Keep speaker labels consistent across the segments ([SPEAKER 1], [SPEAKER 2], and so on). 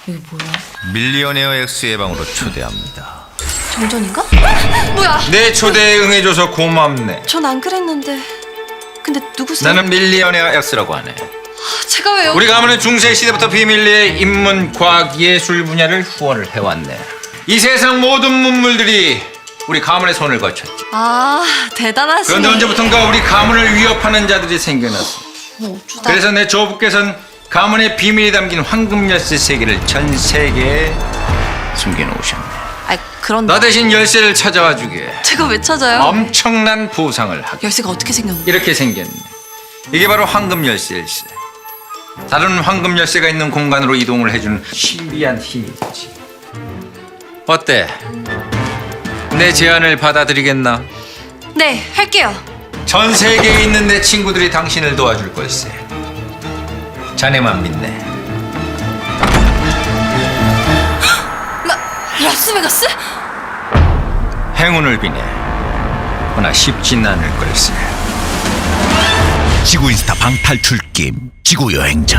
[SPEAKER 1] 이게 뭐야?
[SPEAKER 2] 밀리어네어 X의 방으로 초대합니다.
[SPEAKER 1] 정전인가? 뭐야?
[SPEAKER 2] 내 초대에 응해줘서 고맙네.
[SPEAKER 1] 전 안 그랬는데. 근데 누구세요?
[SPEAKER 2] 나는 밀리어네어 X라고 하네.
[SPEAKER 1] 제가 왜요?
[SPEAKER 2] 우리 가문은 중세 시대부터 비밀리에 인문, 과학, 예술 분야를 후원을 해왔네. 이 세상 모든 문물들이 우리 가문의 손을 거쳤지.
[SPEAKER 1] 아, 대단하시네.
[SPEAKER 2] 그런데 언제부턴가 우리 가문을 위협하는 자들이 생겨났어.
[SPEAKER 1] 어쩌다.
[SPEAKER 2] 그래서 내 조부께서는 가문의 비밀이 담긴 황금 열쇠 3개를 전 세계에 숨겨놓으셨네.
[SPEAKER 1] 아이, 그런데
[SPEAKER 2] 너 대신 열쇠를 찾아와 주게
[SPEAKER 1] 제가 왜 찾아요?
[SPEAKER 2] 엄청난 보상을 하게.
[SPEAKER 1] 열쇠가 어떻게 생겼는데?
[SPEAKER 2] 이렇게 생겼네. 이게 바로 황금 열쇠일세. 다른 황금 열쇠가 있는 공간으로 이동을 해주는 신비한 힘이지. 어때? 내 제안을 받아들이겠나?
[SPEAKER 1] 네, 할게요.
[SPEAKER 2] 전 세계에 있는 내 친구들이 당신을 도와줄 걸세. 자네만 믿네.
[SPEAKER 1] 라스베가스?
[SPEAKER 2] 행운을 비네. 그러나 쉽진 않을 걸세.
[SPEAKER 3] 지구인스타 방탈출 게임 지구여행자.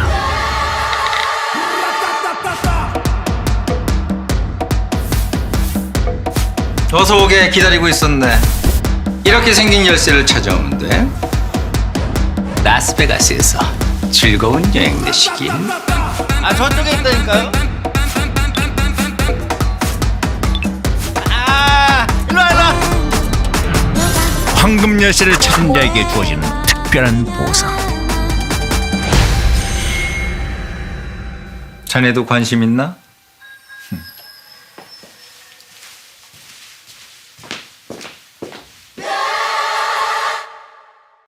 [SPEAKER 2] 어서 오게 기다리고 있었네. 이렇게 생긴 열쇠를 찾아오면 돼. 라스베가스에서 즐거운 여행 되시길. 아, 저쪽에 있다니까요.
[SPEAKER 3] 황금 열쇠를 찾은 자에게 주어지는 특별한 보상.
[SPEAKER 2] 자네도 관심 있나?